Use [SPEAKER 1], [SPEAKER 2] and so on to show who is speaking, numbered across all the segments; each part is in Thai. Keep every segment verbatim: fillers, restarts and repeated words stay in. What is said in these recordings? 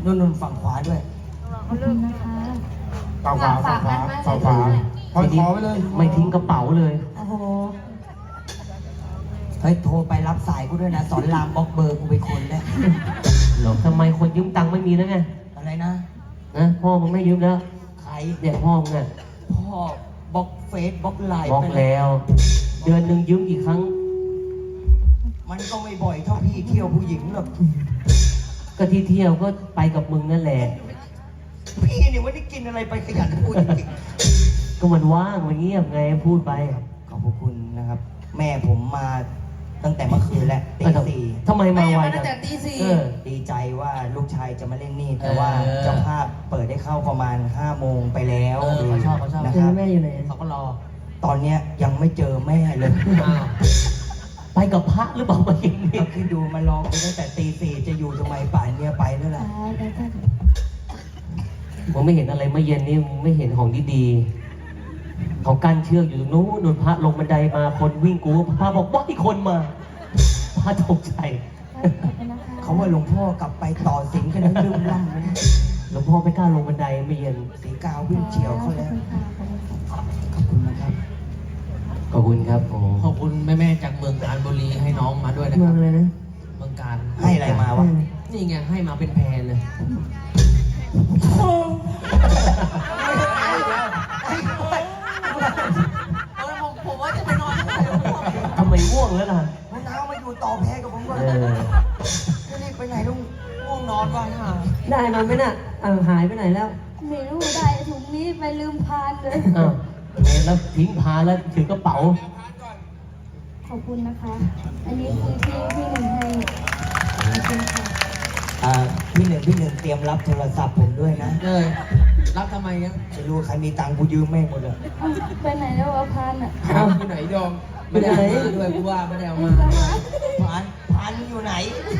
[SPEAKER 1] นู่นนู่นฝั่งขวาด้วย
[SPEAKER 2] เขาเริ่มนะคะ
[SPEAKER 3] ฝั่งขวาฝั่งขวาฝั่งขวาพอยคอไว้เลย
[SPEAKER 4] ไม่ทิ้งกระเป๋าเลย
[SPEAKER 2] โอ้โห
[SPEAKER 1] เฮ้ยโทรไปรับสายกูด้วยนะสอนรามบล็อกเบอร์กูไปคนแล้ว
[SPEAKER 4] หรอทำไมคนยืมตังค์ไม่มีแล้วไง
[SPEAKER 1] อะไรนะ
[SPEAKER 4] นะพ่อมึงไม่ยืมแล้ว
[SPEAKER 1] ใคร
[SPEAKER 4] เนี่ยพ่อมึงอะ
[SPEAKER 1] พ่อบล็อกเฟซบล็อกไลน์
[SPEAKER 4] บล็อก
[SPEAKER 1] ไป
[SPEAKER 4] แล้ว เดือนหนึ่งยืมกี่ครั้ง
[SPEAKER 1] มันก็ไม่บ่อยเท่าพี่เที่ยวผู้หญิงหรอก
[SPEAKER 4] ก็ที่เที่ยวก็ไปกับมึงนั่นแหละ
[SPEAKER 1] พี่เนี่ยวันนี้กินอะไรไปขยันพูดจริง
[SPEAKER 4] ก็มันว่างมันเงียบไงพูดไป
[SPEAKER 1] ๆขอบพระคุณนะครับ แม่ผมมาตั้งแต่เมื่อคืนแล้วตีสี่
[SPEAKER 4] ทำไมมาไว
[SPEAKER 2] ตั้
[SPEAKER 4] จั
[SPEAKER 2] ง
[SPEAKER 4] ง
[SPEAKER 2] แต่ตีสี่
[SPEAKER 4] เออ
[SPEAKER 1] ดีใจว่าลูกชายจะมาเล่นนี่ แต่ว่า
[SPEAKER 4] เออ
[SPEAKER 1] เจ้าภาพเปิดให้เข้าประมาณห้าโมงไปแล้ว
[SPEAKER 4] เออเขาชอบเขาชอบ
[SPEAKER 1] นะครับ
[SPEAKER 4] แม่อยู่ไหนเขาก็รอ
[SPEAKER 1] ตอนเนี้ยยังไม่เจอแม่เลย
[SPEAKER 4] ไปกับพระหรือเปล่ามาเองนี่
[SPEAKER 1] เอาคิดดูมาร้องไปตั้งแต่ตีสี่จะอยู่ทำไมป่านเนี้ยไปแล้วล่ะ
[SPEAKER 4] มึงไม่เห็นอะไรเมื่อเย็นนี่มึงไม่เห็นของดีๆเขากั้นเชือกอยู่ตรงนู้นนู่นพระลงบันไดมาคนวิ่งกูพระบอกว่าอีกคนมาพระตกใจ
[SPEAKER 1] เขาว่าหลวงพ่อกลับไปต่อสิงกันนะลืมล่ำเลย
[SPEAKER 4] หลวงพ่อไม่กล้าลงบันไดเมื่อเย็น
[SPEAKER 1] สีกาววิ่งเฉียวเขาแล้วขอบคุณนะครับ
[SPEAKER 4] ขอบคุณครับโอ้
[SPEAKER 5] ขอบคุณแม่ๆจากเมืองการบุรีให้น้องมาด้วยนะค
[SPEAKER 4] เมื
[SPEAKER 5] รั
[SPEAKER 4] อบ งเลยนะ
[SPEAKER 5] เมืองการ
[SPEAKER 1] ให้อะไรมาวะ
[SPEAKER 5] นี่ไงให้มาเป็นแพรเลย เออผมผมว่าจะไปนอนที่ไหนหลวงพ่อ
[SPEAKER 4] ทำไมง่วงแล้วล่ะ
[SPEAKER 1] มะนาวมาอยู่ต่อแพ้กับผมก่อน
[SPEAKER 4] เออ
[SPEAKER 1] จะรีบไปไหนลุง
[SPEAKER 5] ง่วงนอนว่ะฮะ
[SPEAKER 4] ได้มาไหมน่ะอ้าวหายไปไหนแล้ว
[SPEAKER 2] ไม่รู้ได้ถุงนี้ไปลืมพานเลย
[SPEAKER 4] อ้าวเห็นแล้วทิ้งพาแล้วถือกระเป๋า
[SPEAKER 2] ขอบคุณนะคะ อันนี้คือที่พี่หนึ่งให้ขอบคุณค่ะ
[SPEAKER 1] อ่าพี่หนึ่งพี่หนึ่งเตรียมรับโทรศัพท์ผมด้วยนะ
[SPEAKER 5] เลยรับทำไมเนี่ย
[SPEAKER 1] ไม่รู้ใครมีตังค์กูยืมแม่งหมดเลย
[SPEAKER 2] เอ้าไปไหนแล้ววะพานอ่ะ
[SPEAKER 5] เอาไปไหนดองไม่ได้เอามาด้วยกูว่าไม่ได้เอามาด้วย
[SPEAKER 1] พานพานอยู่ไหน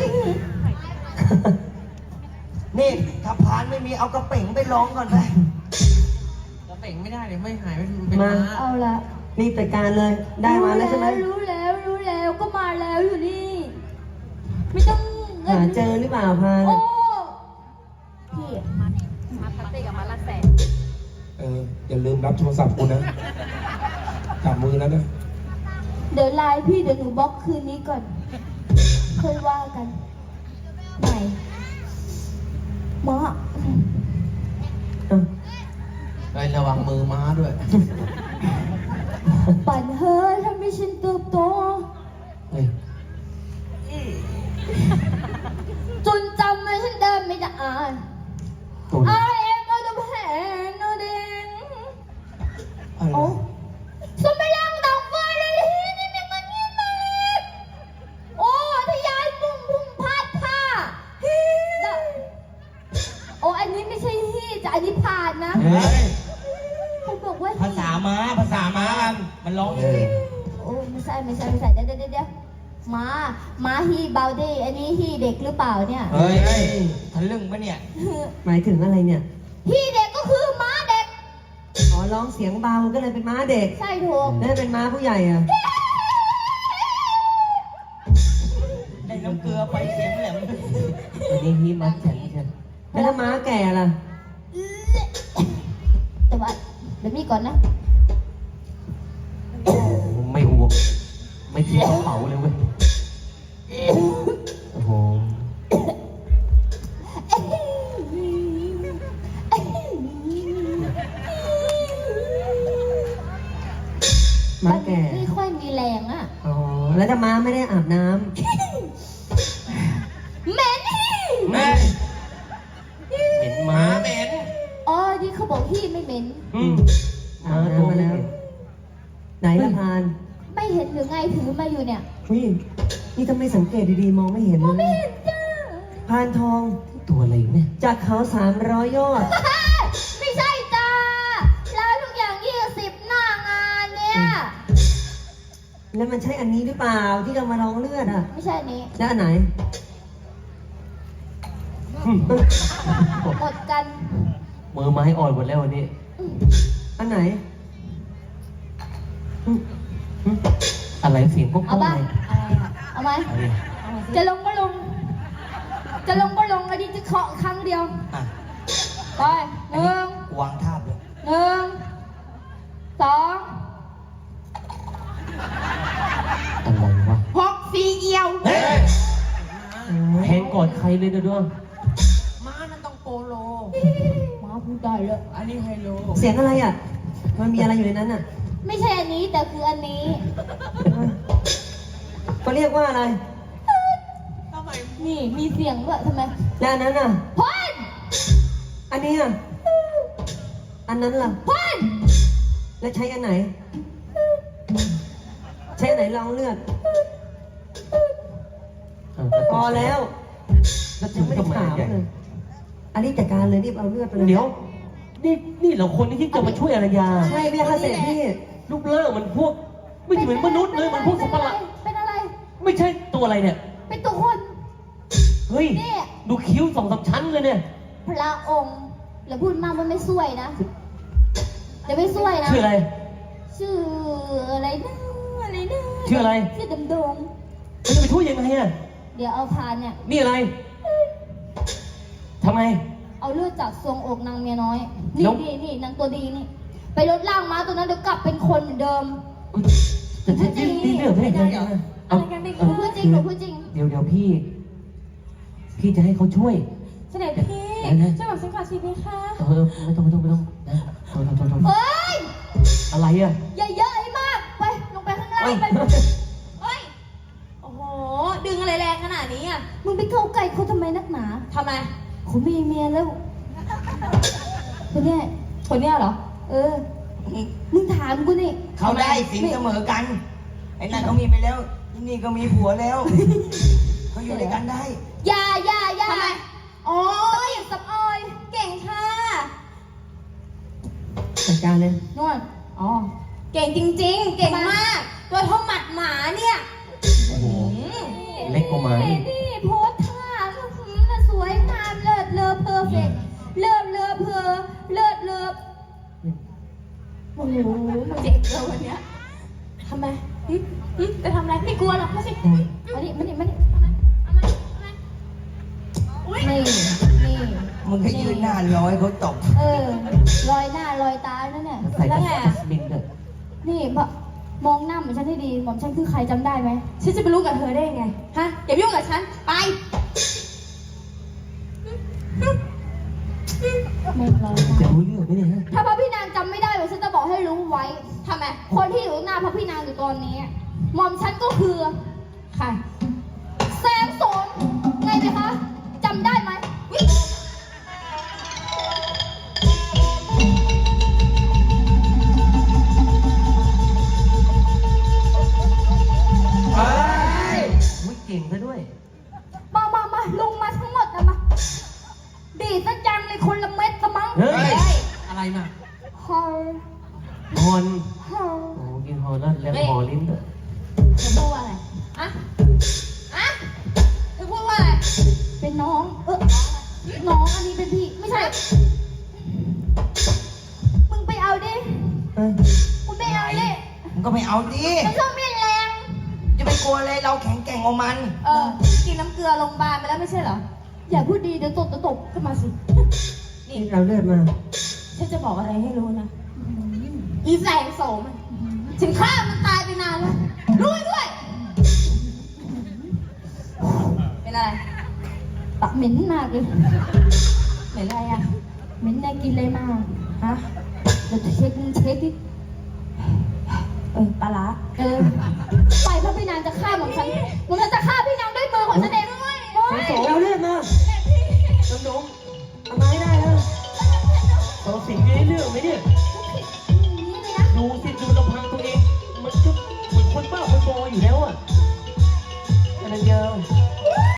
[SPEAKER 1] นี่ถ้าพานไม่มีเอากระเป๋งไปร้องก่อนไป
[SPEAKER 5] กระเป่งไม่ได้เลยไม่หายไม่เป็น
[SPEAKER 4] มา
[SPEAKER 5] ม้า
[SPEAKER 2] เอาละ
[SPEAKER 4] รีบจัดการเลย ได้มาแล้วใช่ไหม
[SPEAKER 2] รู้แล้วรู้แล้วก็มาแล้วอยู่นี่ ไม่ต้อง
[SPEAKER 4] หาเจอหรือเปล่าพาน
[SPEAKER 2] โอ้พี่มาพัตตี้กับมาละแสน
[SPEAKER 3] เอออย่าลืมรับโทรศัพท์กูนะจับมือแล้วนะ
[SPEAKER 2] เดี๋ยวไลน์พี่เดี๋ยวหนูบล็อกคืนนี้ก่อนค่อยว่ากันไหนหมอ
[SPEAKER 5] ไประวังมือม้าด้วย
[SPEAKER 2] ปั่นเฮ้ยทำให้ฉันเติบโต
[SPEAKER 4] เฮ้ย
[SPEAKER 2] จนจำไม่ฉันเดินไม่ได้อ่าน
[SPEAKER 4] ตัว
[SPEAKER 2] I am out of hand no then
[SPEAKER 1] อะไร
[SPEAKER 2] โอ้
[SPEAKER 1] วะ
[SPEAKER 2] สมัยยังดอกฟ้าเลยนี่นี่มันนี่มาเลยโอ้ทะยานพุ่งพุ่งพาดผ้าดะโอ้อันนี้ไม่ใช่ฮี่จะอันนี้ผ่านนะ
[SPEAKER 1] เฮ้ย
[SPEAKER 2] เขาบอกว่า
[SPEAKER 1] ภาษาม้าภาษาม้ากันมันร้องอย่างนี้
[SPEAKER 2] โอ้ไม่ใช่ไม่ใช่ไม่ใช่เดี๋ยวเดี๋ยวเดี๋ยวม้าม้าฮีเบาดี้อันนี้ฮีเด็กหรือเปล่าเนี่ย
[SPEAKER 1] เฮ้ยเฮ้ยทะลึ่งปะเนี่ย
[SPEAKER 4] หมายถึงอะไรเนี่ย
[SPEAKER 2] ฮีเด็กก็คือม้าเด็ก
[SPEAKER 4] อ๋อร้องเสียงเบาก็เลยเป็นม้าเด็ก
[SPEAKER 2] ใช่ถูก
[SPEAKER 4] แล้วเป็นม้าผู้ใหญ่อ่ะ
[SPEAKER 1] ได้น้ำเกลือไปเสียงแหลม
[SPEAKER 4] อันนี้ฮีมัสแข็งใช่ไหมแล้วถ้าม้าแก่ล่ะ
[SPEAKER 2] แต่ว่าเดี๋ยวนี้ก่อนนะ
[SPEAKER 4] ไม่ห่วงไม่ทิ้งกระเป๋าเลยเว้ยโอ้โห ม้าแก่
[SPEAKER 2] ไม่ค่อยมีแรงอ่ะ
[SPEAKER 4] อ๋อแล้วถ้าม้าไม่ได้อาบน้
[SPEAKER 2] เหม็น
[SPEAKER 1] แม่
[SPEAKER 4] ำเหม็นม้า
[SPEAKER 1] เหม็น
[SPEAKER 2] อ๋อที่เขาบอกพี่ไม่เหม็น
[SPEAKER 4] อืมม้าตัวมาแล้ว ไหนละพาน
[SPEAKER 2] ไม่เห็นหรือไงถือมาอยู่เนี่ย
[SPEAKER 4] นี่นี่ถ้าไม่สังเกตดีๆมองไม่เห็นเลย
[SPEAKER 2] ไม่เห็นจ้า
[SPEAKER 4] พานทองตัวอะไรเนี่ยจากเขาสามร้อยยอด
[SPEAKER 2] ไม่ใช่จ้าแล้วทุกอย่างยี่สิบหน้างานเนี่ย
[SPEAKER 4] แล้วมันใช่อันนี้หรือเปล่าที่เรามาลองเลือดอ่ะ
[SPEAKER 2] ไม่ใช่อันนี้
[SPEAKER 4] แล้วอันไหน
[SPEAKER 2] หมดกัน
[SPEAKER 4] มือไม้อ่อนหมดแล้ววันนี้ อันไหนอืมอืมอะไรเสียงพวก
[SPEAKER 2] เอา
[SPEAKER 4] พ่อ
[SPEAKER 2] บ้า
[SPEAKER 4] ไง
[SPEAKER 2] เอาไหม
[SPEAKER 4] เอาดิ
[SPEAKER 2] จะลงก็ลง จะลงก็ลงอันนี้จะเคาะครั้งเดียวไปหนึ่ง
[SPEAKER 1] วางทาบเลย
[SPEAKER 2] หนึ่งสอง
[SPEAKER 4] อะไรวะ
[SPEAKER 2] หกสี่เอียว
[SPEAKER 1] เฮ้ย
[SPEAKER 4] แทงกอดใครเลยนะด้วง
[SPEAKER 5] ม้านั่นต้องโปโล
[SPEAKER 2] มาพูดได้เลย
[SPEAKER 5] อันนี้ไฮโล
[SPEAKER 6] เสียงอะไรอ่ะ มันมีอะไรอยู่ในนั้นอ่ะ
[SPEAKER 2] ไม่ใช่อันนี้แต่คืออันนี้
[SPEAKER 6] เขาเรียกว่าอะไร
[SPEAKER 5] ทำไม
[SPEAKER 2] นี่มีเสียงด้วยทำไม
[SPEAKER 6] และอันนั้นอ่ะ
[SPEAKER 2] พ่น
[SPEAKER 6] อันนี้อ่ะ อันนั้นล่ะ
[SPEAKER 2] พ่น
[SPEAKER 6] แล้วใช้อันไหน ใช้อันไหนรองเลือด พอแล้ว
[SPEAKER 4] แล้วถึ
[SPEAKER 6] ยัง
[SPEAKER 4] ง
[SPEAKER 6] ไม่ได้
[SPEAKER 4] ทำไม
[SPEAKER 6] ถาม
[SPEAKER 4] ใหญ่
[SPEAKER 6] เลย อันนี้จัดการเลยรีบเอาเลือดไปเลย
[SPEAKER 4] เดี๋ยว นี่นี่เหราคนที่จะมาช่วยอารยา
[SPEAKER 6] ใช่พี่ค่ะเสร็จพี่
[SPEAKER 4] รูปร่างมันพวก ไม่เหมือนมนุษย์เลยมันพวกสัตว์ประหลาด
[SPEAKER 2] เป็นอะไร
[SPEAKER 4] ไม่ใช่ตัวอะไรเนี่ย
[SPEAKER 2] เป็นตัวคน
[SPEAKER 4] เฮ้ย
[SPEAKER 2] เนี่ย
[SPEAKER 4] ดูคิ้วสองสามชั้นเลยเนี่ย
[SPEAKER 2] พระองค์แล้วพูดมากมันไม่สวยนะจะไม่สวยนะ
[SPEAKER 4] ชื่ออะไร
[SPEAKER 2] ชื่ออะไรนะอะไรนะ
[SPEAKER 4] ชื่ออะไร
[SPEAKER 2] ชื่อดำดง
[SPEAKER 4] มันจะไปช่วยยังไงอะ
[SPEAKER 2] เดี๋ยวเอาพานเนี่ย
[SPEAKER 4] นี่อะไรทำไม
[SPEAKER 2] เอาเลือดจากทรวงอกนางเมียน้อย
[SPEAKER 4] แล้
[SPEAKER 2] นี่
[SPEAKER 4] ว
[SPEAKER 2] นี่นี่นางตัวดีนี่ ไปลดล่างม้าตัวนั้นเดี๋ยวกลับเป็นคนเหมือนเดิม
[SPEAKER 4] อุ๊ยแต่ที่ที่ที่เรื่องไม่ได้เอา
[SPEAKER 2] อะไรกันดิหนูพูดจริงหนูพูดจริง
[SPEAKER 4] เดี๋ยวเดี๋ยวพี่ พี่จะให้เขาช่วย
[SPEAKER 2] เสด็จพี่
[SPEAKER 4] เดี๋ยวนะ
[SPEAKER 2] ช่วยบอกฉันก่อนสิพี่คะ
[SPEAKER 4] เออไม่ต้องไม่ต้องไม่ต้องนะโทษโทษโทษโทษ
[SPEAKER 2] เฮ้ย
[SPEAKER 4] อะไรอะ
[SPEAKER 2] อย่าเยอะไอ้มาก ไป ลงไปข้างล่าง
[SPEAKER 4] เฮ้ย
[SPEAKER 2] ไปเฮ้ย
[SPEAKER 7] โอ้โห ดึงอะไรแรงขนาดนี้อ่ะ
[SPEAKER 2] มึงไปเข้าใกล้เขาทำไมนักหนา
[SPEAKER 7] ทำไม
[SPEAKER 2] เขามีเมียแล้วคนเนี้ย
[SPEAKER 7] คนเนี้ยเหรอ
[SPEAKER 2] เออ มึงถามกูนี่
[SPEAKER 1] เขาได้สินเสมอกัน ไอ้นั่นเขามีไปแล้วที่นี่ก็มีผัวแล้วเขาอยู่ด้วยกันได้
[SPEAKER 2] อย่าอย่าอย่า
[SPEAKER 7] ทำไม โอ้ย
[SPEAKER 2] สับออย
[SPEAKER 7] เก่งค่ะ
[SPEAKER 6] จัดการเลย
[SPEAKER 2] นวดอ๋อ
[SPEAKER 7] เก่งจริง ๆ เก่งมาก ตัวเท่าหมัดหมาเนี่ย
[SPEAKER 4] โอ้โห
[SPEAKER 7] อืม
[SPEAKER 4] เล็กกว่าหมาอีก
[SPEAKER 2] นี่โพสท่าอื้อหือน่ะสวยงามเลิศเลอเพอร์เฟกต์เลิศเลอเพอเลิศเลอโอ้โห
[SPEAKER 7] เจ็บเลยวันเนี้ยทำไมหึหึจะทำอะไรไม่กลัวหรอกไม่ใช่
[SPEAKER 2] มานี่มานี่มานี่
[SPEAKER 7] ทำไมทำไมทำไมอุ้ย
[SPEAKER 2] นี่นี่
[SPEAKER 1] มึงก็ยืนหน้าร้อยเขาตบ
[SPEAKER 2] เออรอยหน้ารอยตานั่นเนี่ย
[SPEAKER 4] ใส่
[SPEAKER 7] แล้วไงอะ
[SPEAKER 4] สลิงด้วย
[SPEAKER 2] นี่พอมองหน้าเหมือนฉันให้ดีหม่อมฉันคือใครจำได้ไหม
[SPEAKER 7] ฉันจะไปรู้กับเธอได้ยังไง ฮะ อย่ายุ่งกับฉัน ไป
[SPEAKER 2] ไม่รอย
[SPEAKER 4] จะ
[SPEAKER 2] ตา
[SPEAKER 4] รู้เรื่องไหมเนี่ยฮะ
[SPEAKER 2] ถ้าพระพี่นางจำไม่ได้เดี๋ยวฉันจะบอกให้รู้ไว้
[SPEAKER 7] ทำไม
[SPEAKER 2] คนที่อยู่หน้าพระพี่นางอยู่ตอนนี้หม่อมฉันก็คือ
[SPEAKER 7] ใคร
[SPEAKER 2] แสงโสมไงไหมคะจำได้ไหมวิ
[SPEAKER 1] เฮ้ย
[SPEAKER 4] อุ๊ยเก่งซะด้วย
[SPEAKER 2] มามามาลงมาทั้งหมดนะมาดีดซะจังเลยคนละเม็ดสมั้ง
[SPEAKER 4] เฮ้ย
[SPEAKER 5] อะไรน่ะ
[SPEAKER 2] ฮอล
[SPEAKER 4] ฮอน
[SPEAKER 2] ฮอล
[SPEAKER 4] โอ้กินฮอนแล้วแล้วฮอลิ้นด้วย
[SPEAKER 7] เธอพูดว่าอะไรอะอะเธอพูดว่าอะไร
[SPEAKER 2] เป็นน้อง เออน้องอันนี้เป็นพี่ไม่ใช่ มึงไปเอาดิ
[SPEAKER 6] เออ
[SPEAKER 2] มึงไปเอาดิ
[SPEAKER 1] มึงก็ไม่เอาดิ
[SPEAKER 2] มันชอบมีดแรง
[SPEAKER 1] จะไปกลัวอะไรเราแข็งแกร่งกว่ามัน
[SPEAKER 7] เออ กินน้ำเกลือโรงพยาบาลไปแล้วไม่ใช่เหรอ
[SPEAKER 2] อย่าพูดดีเดี๋ยวตบจะตบขึ้นมาสิ
[SPEAKER 7] นี่
[SPEAKER 6] นี่เราเลือดมา
[SPEAKER 7] ฉันจะบอกอะไรให้รู้นะ อีแสงโสมอะฉันฆ่ามันตายไปนานแล้วรู้ไว้ด้วย เป็นอะไร
[SPEAKER 2] ปากเหม็นมากเลย
[SPEAKER 7] เหมือนอะไรอ่ะ
[SPEAKER 2] เหม็นแน่กินอะไรมา
[SPEAKER 7] ฮะ
[SPEAKER 2] เดี๋ยวเช็คมึงเช็คดิ
[SPEAKER 7] เออปลาร้า
[SPEAKER 2] เออไปเพราะพี่นางจะฆ่าหม่อมฉันหม่อมฉันจะฆ่าพี่นางด้วยมือของฉันเองด้วยโอ๊ย
[SPEAKER 6] โสเราเลือดมา
[SPEAKER 4] จำนง
[SPEAKER 6] ทำไมาให้ได้แล้ว
[SPEAKER 4] เราสิ่งนี้เรื่องไหมเนี่ย
[SPEAKER 2] นี่เลยนะ
[SPEAKER 4] ดูสิ